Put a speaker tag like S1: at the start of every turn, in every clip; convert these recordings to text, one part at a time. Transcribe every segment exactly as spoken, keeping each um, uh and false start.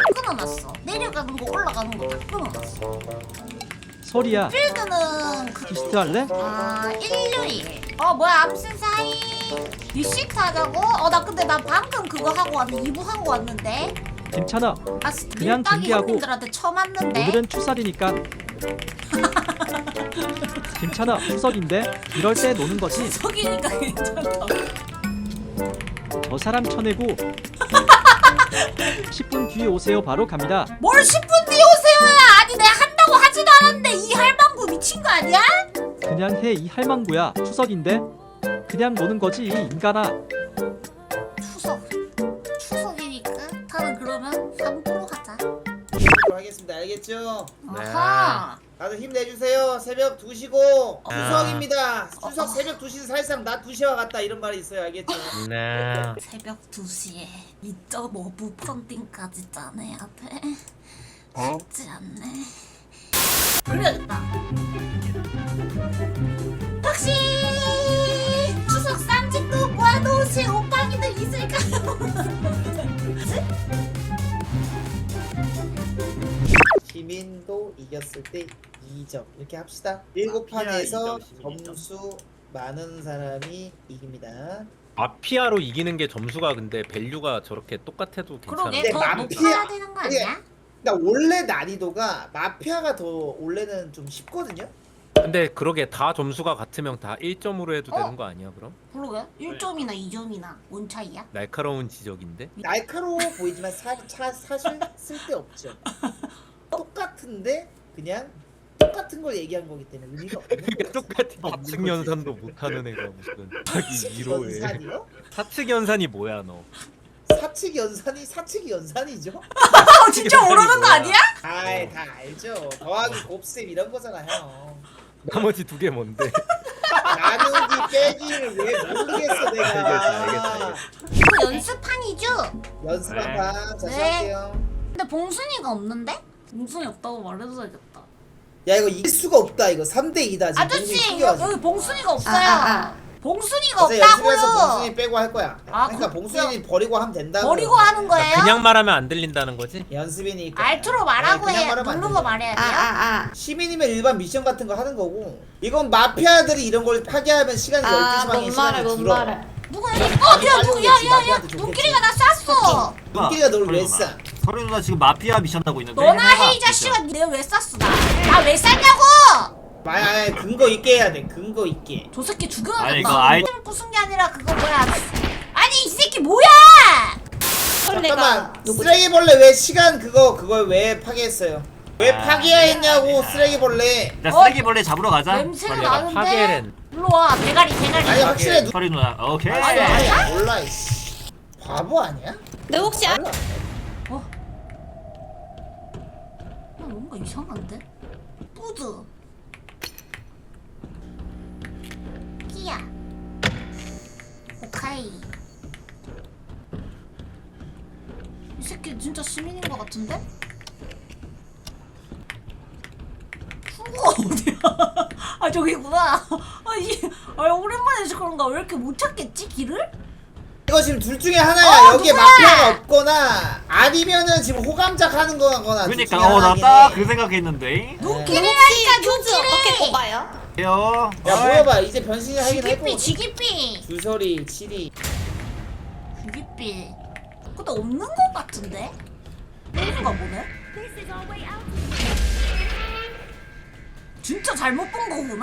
S1: 끊어놨어. 내려가는 거 올라가는 거 다 끊어놨어.
S2: 소리야.
S1: 필드는 그...
S2: 키스트 할래?
S1: 아 일요일. 어 뭐야 암튼 사이 리시트 하자고? 어 나 근데 나 방금 그거 하고 왔는데 이 부 하고 왔는데.
S2: 괜찮아.
S1: 아
S2: 그냥
S1: 밀당이
S2: 준비하고.
S1: 형님들한테 처음 왔는데.
S2: 오늘은 추석이니까. 괜찮아. 추석인데 이럴 때 노는 거지.
S1: 추석이니까 괜찮다.
S2: 저 사람 쳐내고 십 분 뒤에 오세요. 바로 갑니다.
S1: 뭘 십 분 뒤에 오세요야. 아니 내가 한다고 하지도 않았는데 이 할망구 미친 거 아니야?
S2: 그냥 해 이 할망구야. 추석인데 그냥 노는 거지 이 인간아.
S1: 추석 추석이니까 다른 그러면 삼 부로 하자.
S3: 하겠습니다. 알겠죠?
S1: 아하.
S3: 다들 힘내주세요. 새벽 두 시고
S4: 아.
S3: 추석입니다. 추석
S1: 어.
S3: 새벽 두 시는 사실상 낮 두 시와 같다 이런 말이 있어요. 알겠죠?
S4: 네.
S1: 새벽 두 시에 이 점 오 부 펀딩까지 짜내야 돼.
S4: 어?
S1: 쉽지 않네. 그래야겠다. 혹시 추석 쌈짓도 모아놓으신 오빠기들 있을까요?
S3: 시민도 이겼을 때 이 점 이렇게 합시다. 일곱 판에서 점수 많은 사람이 이깁니다.
S4: 마피아로 이기는 게 점수가 근데 밸류가 저렇게 똑같아도 괜찮아.
S1: 그러게
S3: 근데
S1: 더
S3: 마피아-
S1: 높아야 되는 거 아니야?
S3: 그러니까 원래 난이도가 마피아가 더 원래는 좀 쉽거든요.
S4: 근데 그러게 다 점수가 같으면 다 일 점으로 해도
S1: 어?
S4: 되는 거 아니야 그럼?
S1: 그러게 일 점이나 이 점이나 뭔 차이야?
S4: 날카로운 지적인데?
S3: 날카로워 보이지만 사, 차, 사실 쓸데없죠. 똑같은데 그냥 똑같은 걸 얘기한 거기 때문에 의미가 없는 거예요.
S4: 똑같은 사측 연산도 못하는 애가 무슨 자기 이로에
S3: 연산이요?
S4: 사측 연산이 뭐야 너?
S3: 사측 연산이 사측 연산이죠?
S1: 아 진짜 모르는 거 아니야?
S3: 아이 다 알죠. 더하기 곱셈 이런 거잖아요.
S4: 나머지 두 개 뭔데?
S3: 나누기 빼기를 왜 모르겠어 내가.
S4: 알겠어, 알겠어, 알겠어.
S1: 이거 연습판이죠?
S3: 연습한 판. 자
S1: 네.
S3: 시작할게요.
S1: 근데 봉순이가 없는데? 봉순이 없다고 말해줘야겠다.
S3: 야 이거 이길 수가 없다. 이거 삼 대 이다 지금.
S1: 아저씨 여기, 여기 봉순이가 없어요.
S5: 아, 아, 아.
S1: 봉순이가
S3: 그래서 연습해서
S1: 없다고요.
S3: 봉순이 빼고 할 거야.
S1: 아,
S3: 그러니까
S1: 그-
S3: 봉순이 버리고 하면 된다고.
S1: 버리고 하는 거예요?
S4: 그냥 말하면 안 들린다는 거지?
S3: 연습이니까.
S1: 알트로 말하고
S3: 네, 그냥
S1: 해.
S3: 말하면 안
S1: 누른 거
S3: 돼요.
S1: 말해야
S5: 아,
S1: 돼요?
S5: 아, 아.
S3: 시민이면 일반 미션 같은 거 하는 거고 이건 마피아들이 이런 걸 파괴하면 시간이
S5: 아,
S3: 열두 시 방에
S5: 뭔
S3: 시간이
S5: 말해, 뭔
S3: 줄어.
S5: 말해.
S1: 누가 해? 어, 야, 누구, 야, 야, 야,
S3: 마피아한테 좋겠지.
S1: 눈길이가 나 쐈어.
S3: 눈길이가 너를 왜 쏴?
S6: 서류 누나 지금 마피아 미션 하고 있는데
S1: 너나
S6: 해봐,
S1: 해, 이
S6: 진짜.
S1: 자식아. 내가 왜 쐈어, 나? 나 왜 쐈냐고!
S3: 아니 아니 근거 있게 해야 돼. 근거 있게.
S1: 저 새끼
S6: 아니,
S1: 죽여야겠다.
S6: 이거 아이-
S1: 을 부순 게 아니라 그거 뭐야. 아니, 이 새끼 뭐야!
S3: 잠깐만 쓰레기벌레 왜 시간 그거 그걸 왜 파괴했어요? 왜
S6: 아,
S3: 파괴했냐고 쓰레기벌레.
S6: 자
S1: 어?
S6: 쓰레기벌레 잡으러 가자.
S1: 냄새가
S4: 내가
S1: 나는데?
S4: 파괴를
S1: 일로 와, 대가리, 대가리.
S3: 아니 확실해 누...
S6: 서류 누나 오케이.
S3: 아니 아니 몰라 이씨. 바보 아니야?
S5: 너 혹시 아,
S3: 몰라.
S1: 어? 어, 뭔가 이상한데? 뿌드. 끼야. 오카이. 이 새끼 진짜 시민인 것 같은데? 후가 어디야? 아 저기구나. 아이 아, 오랜만에 해서 그런가 왜 이렇게 못 찾겠지 길을?
S3: 이거 지금 둘 중에 하나야.
S1: 어,
S3: 여기에
S1: 누구야?
S3: 마피아가 없거나 아니면은 지금 호감작 하는 거거나. 둘
S6: 그러니까
S3: 중에
S6: 어 나
S3: 하나긴
S6: 딱
S3: 해.
S6: 그 생각했는데.
S1: 눈길이라니까
S5: 큐즈 어떻게
S1: 눈길이.
S5: 꼽아요?
S6: 해요.
S3: 야 모여봐 이제 변신이 하긴 할
S1: 지기삐
S3: 거.
S1: 지기삐
S3: 주설이 칠이.
S1: 지기삐. 근데 없는 것 같은데? 없는가 보네? 진짜 잘못 본 거구나.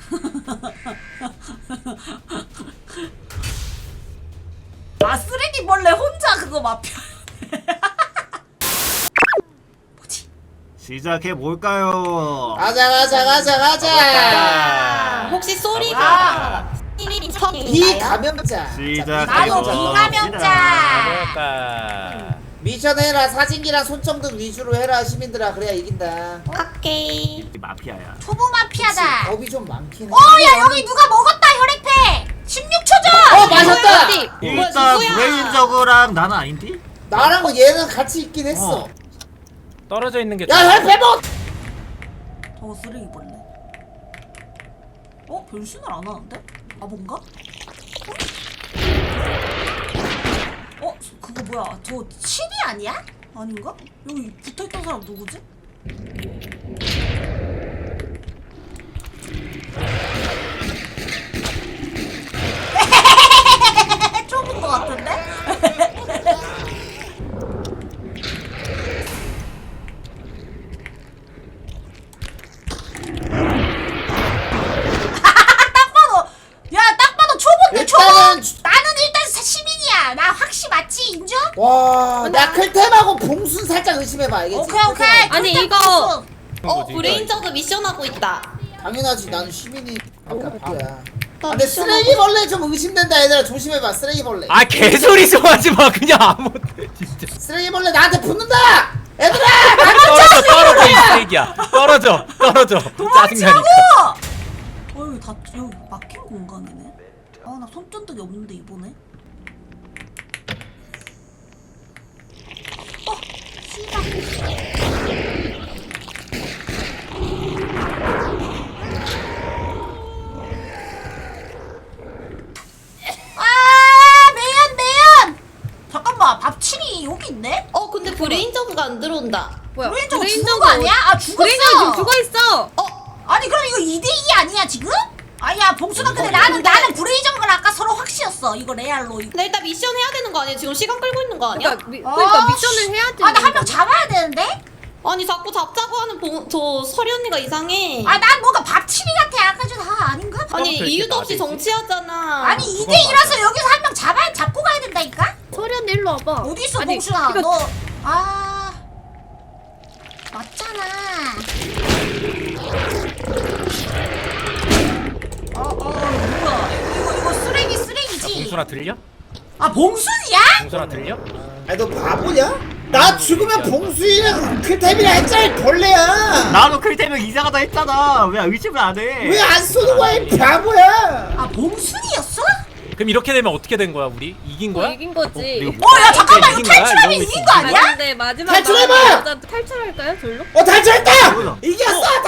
S1: 아 쓰레기벌레 혼자 그거 마피아. 뭐지?
S6: 시작해 볼까요?
S3: 가자 가자 가자 가자.
S5: 혹시 소리가
S1: 아,
S3: 비감염자.
S6: 시작.
S1: 나도
S3: 자,
S1: 비감염자.
S4: 그럴까?
S3: 미션 해라. 사진기랑 손전등 위주로 해라 시민들아. 그래야 이긴다.
S5: 오케이.
S6: 이 마피아야.
S1: 초보 마피아다.
S3: 겁이 좀 많긴 해.
S1: 어, 야 여기 누가 먹었다 혈액팩. 십육 초 전.
S3: 어 맞았다.
S5: 어디?
S6: 일단
S5: 누구야?
S6: 브레인저그랑 나는 아닌데?
S3: 나랑 얘는 같이 있긴 했어.
S6: 어.
S4: 떨어져 있는 게
S3: 야
S4: 좋아.
S3: 혈배복.
S1: 저 쓰레기벌레. 어 변신을 안 하는데? 아 뭔가? 어? 어? 그거 뭐야? 저 칠이 아니야? 아닌가? 여기 붙어있던 사람 누구지? 좁은 것 같은데? 딱 봐도 야 딱 봐도 초보인데 초보!
S3: 일단은 주-
S1: 나는 일단 사- 시민이야. 나 확시 맞지 인정?
S3: 와, 나 클템하고 봉순 살짝 의심해봐. 알겠지?
S1: 오케이 오케이.
S5: 아니,
S1: 절대
S5: 이거-
S1: 없어.
S5: 어
S4: 거지,
S5: 브레인저드 미션 하고 있다.
S3: 당연하지. 나는 시민이. 아까 바보야.
S5: 나
S3: 아, 근데
S5: 미션
S3: 쓰레기벌레 좀 의심된다 얘들아. 조심해봐. 쓰레기벌레.
S4: 아 개소리 좀 하지 마. 그냥 아무 진짜.
S3: 쓰레기벌레 나한테 붙는다. 얘들아.
S4: 떨어져 떨어져 이 쓰레기야. 떨어져 떨어져. 짜증나니까.
S1: 어 여기 다 여기 막힌 공간이네. 아 나 손전등이 없는데 이번에. 어 씨발. 아 매연 매연. 잠깐만 밥칠이 여기 있네?
S5: 어 근데 브레인저드가 안 들어온다.
S7: 뭐야?
S1: 브레인저가 죽은 거 아니야? 아 죽었어.
S7: 브레인저 지금 죽어 있어.
S5: 어
S1: 아니 그럼 이거 이 대 이 아니야 지금? 아야 봉수가 근데
S5: 어,
S1: 나는
S5: 근데-
S1: 나는 브레이저걸 아까 서로 확시였어 이거 레알로 이거.
S5: 근데 일단 미션 해야 되는 거 아니야? 지금 시간 끌고 있는 거 아니야?
S7: 그러니까, 미, 그러니까
S1: 아,
S7: 미션을 해야지.
S1: 아 나 한 명 잡아야 되는데?
S5: 아니 자꾸 잡자고 하는 봉, 저 서리 언니가 이상해.
S1: 아 난 뭔가 밥치리 같아 아까 전 아, 아닌가?
S5: 아니
S4: 처음부터
S5: 이유도 없이
S4: 이렇게
S5: 정치하잖아.
S1: 아니 이 대 이라서 여기서 한 명 잡아 잡고 가야 된다니까?
S7: 서련 일로 와봐.
S1: 어디 있어
S7: 아니,
S1: 봉수야
S7: 이거-
S1: 너 아 맞잖아. 어어 뭐야 이거 이거 쓰레기 쓰레기지?
S4: 봉순아 들려?
S1: 아 봉순이야?
S4: 봉순아 들려?
S3: 아니 너 바보냐? 나 죽으면 봉순이랑 클템이랑 했잖아 벌레야.
S6: 나도 클템이 이상하다 했잖아. 왜 의심을 안 해?
S3: 왜 안 쏘는 거야 이 바보야?
S1: 아 봉순이었어?
S4: 그럼 이렇게 되면 어떻게 된 거야 우리? 이긴
S7: 뭐
S4: 거야?
S7: 이긴 거지.
S6: 이거
S1: 어 야 잠깐만 이거
S4: 이긴 거야?
S1: 탈출하면
S4: 이러고
S1: 이긴 거
S7: 아니,
S1: 아니야?
S7: 근데 마지막
S3: 탈출해봐!
S7: 나가는 여자 탈출할까요, 절로?
S3: 어 탈출했다!
S6: 뭐야?
S3: 이겼어! 다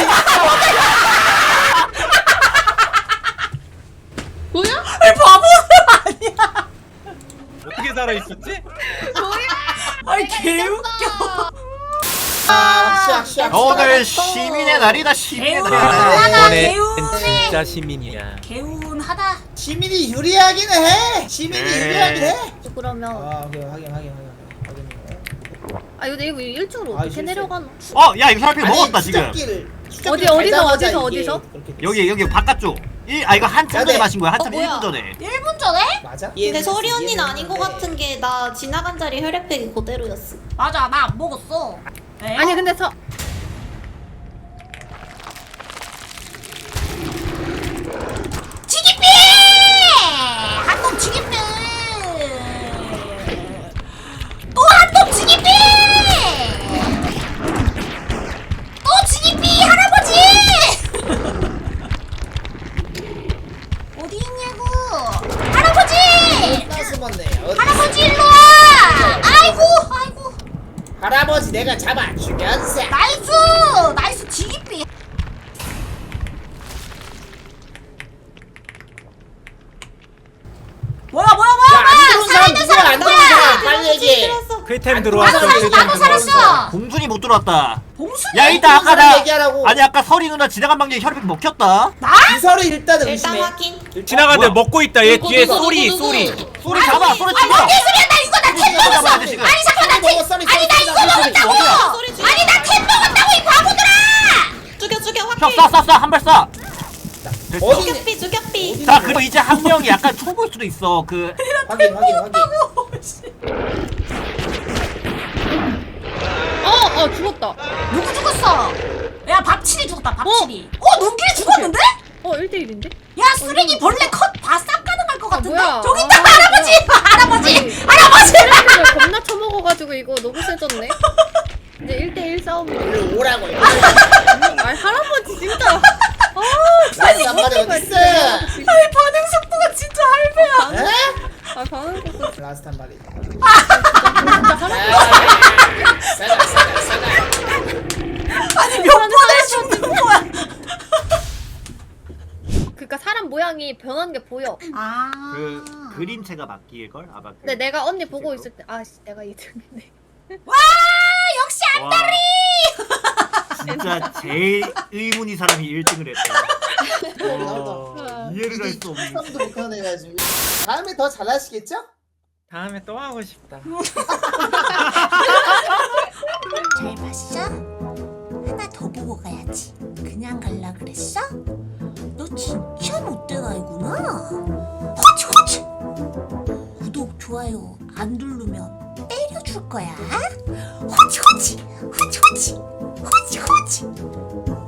S5: 뭐야?
S1: 아니 바보 아니야?
S4: 어떻게 살아 있었지?
S1: 아니 개웃겨.
S3: 아, 시작 시작.
S6: 오늘 시민의 날이다. 시민의
S1: 개운
S6: 날이다.
S1: 하다
S4: 이번엔
S1: 개운해.
S4: 진짜 시민이야.
S1: 개운하다.
S3: 시민이 유리하긴 해. 시민이
S6: 네.
S3: 유리하긴 해.
S7: 그러면
S3: 아, 오케이 확인 확인 확인 확인.
S7: 아 근데 이거 일 층으로
S3: 아,
S7: 어떻게
S3: 실수.
S7: 내려가노?
S6: 어, 야 이거 사람이 먹었다 지금.
S3: 추적기를,
S7: 어디,
S3: 추적기를
S7: 어디서,
S3: 밟자마자
S7: 어디서,
S3: 이게
S7: 어디서?
S3: 그렇게 됐어.
S6: 여기 여기 바깥쪽. 일, 아 이거 한참
S3: 야,
S6: 전에
S3: 네.
S6: 마신 거야. 한참
S5: 어, 뭐야?
S6: 일 분 전에.
S1: 일 분 전에?
S3: 맞아?
S5: 근데 서리 언니는 아닌 거 같은 게 나 지나간 자리 혈액팩이 그대로였어.
S1: 맞아 나 안 먹었어. 에?
S7: 아니 근데 서
S1: 지기삐! 한놈 지기삐! 또 한놈 지기삐! 또 지기삐 할아버지! 어디 있냐고? 할아버지!
S3: 나 숨었네. 어디-
S1: 할아버지 일로 와! 아이고 아이고
S3: 할아버지 내가 잡아 주면서.
S1: 나이스! 나이스 지기삐! 뭐야 뭐야 뭐야
S3: 야, 안
S1: 뭐야!
S3: 들어온 사람
S1: 살아있는
S3: 누구야?
S1: 사람
S3: 안 들어온
S1: 누구야!
S3: 사람 빨리 얘기해.
S4: 클템
S3: 안
S4: 들어왔어.
S1: 나도 살았어
S4: 클템
S1: 나도
S4: 들어왔어.
S1: 살았어!
S6: 봉순이 못 들어왔다.
S1: 봉순이
S6: 야 이따 아까
S3: 사람
S6: 나
S3: 얘기하라고.
S6: 아니 아까 서리 누나 지나간 방향에 혈액 먹혔다.
S1: 나?
S3: 이서를 일단은
S5: 일단
S3: 의심해.
S5: 확인.
S4: 지나가는데
S6: 뭐야?
S4: 먹고 있다. 얘
S5: 누구,
S4: 뒤에
S5: 누구,
S4: 소리
S5: 누구,
S4: 소리.
S5: 누구?
S6: 소리 잡아. 소리
S1: 아
S6: 죽여.
S1: 뭔 개소리야 나 이거 나템
S6: 이거
S1: 먹었어!
S6: 잡아야 돼, 지금.
S1: 아니 잠깐 나
S3: 소리 먹어,
S1: 템!
S3: 소리,
S1: 아니 나
S3: 소리,
S1: 이거
S3: 소리, 소리.
S1: 먹었다고!
S6: 어디야?
S5: 소리 죽여.
S1: 아니 나 템 먹었다고 이 바보들아!
S5: 죽여 죽여
S6: 형
S5: 확인.
S6: 쏴 쏴 쏴 한 발 쏴. 됐어.
S3: 어디-
S5: 죽여삐 죽여삐.
S6: 자 그리고 이제 한 명이 약간 초보일 수도 있어. 그
S3: 확인 확인 확인.
S7: 어, 어 죽었다.
S1: 누구 죽었어? 야 밥칠이 죽었다 밥칠이 어? 눈길이 죽었는데?
S7: 어 일 대 일인데?
S1: 야 쓰레기 벌레 컷다 싹 가능할 것 같은데?
S7: 뭐야?
S1: 저기 있다
S7: 아,
S1: 할아버지! 할아버지!
S7: 아니.
S1: 할아버지!
S7: 쓰레기를 겁나 처먹어가지고 이거 너무 세졌네. 이제 일 대 일 싸움이네.
S3: 일로 오라고.
S7: 아니 할아버지 진짜. 아
S3: 나스 한 마리 어딨어?
S1: 아니 반응 속도가 진짜 할배야
S3: 에?
S7: 아 반응 속도
S3: 라스트 한 마리.
S7: 진짜 할아버지.
S3: 싸가 싸가 싸가.
S1: 아니 몇 번을 죽는 거야
S7: 그러니까 사람 모양이 변한 게 보여.
S1: 아
S6: 그 그림체가 바뀔 걸 아마. 그
S7: 근데 내가 언니 보고
S6: 글쎄요.
S7: 있을 때 아씨 내가 이 등이네.
S1: 와 역시
S6: 안다리. 진짜 제일 의문이 사람이 일 등을 했다. 와, 이해를 할 수 없는.
S3: 도 못하는 애가지고 다음에 더 잘하시겠죠?
S4: 다음에 또 하고 싶다.
S1: 잘 봤어? 하나 더 보고 가야지. 그냥 갈라 그랬어? 너 진짜 못돼가이구나. 호치 호치. 구독 좋아요 안 누르면 때려줄 거야. 호치 호치 호치 호치 호치 호치.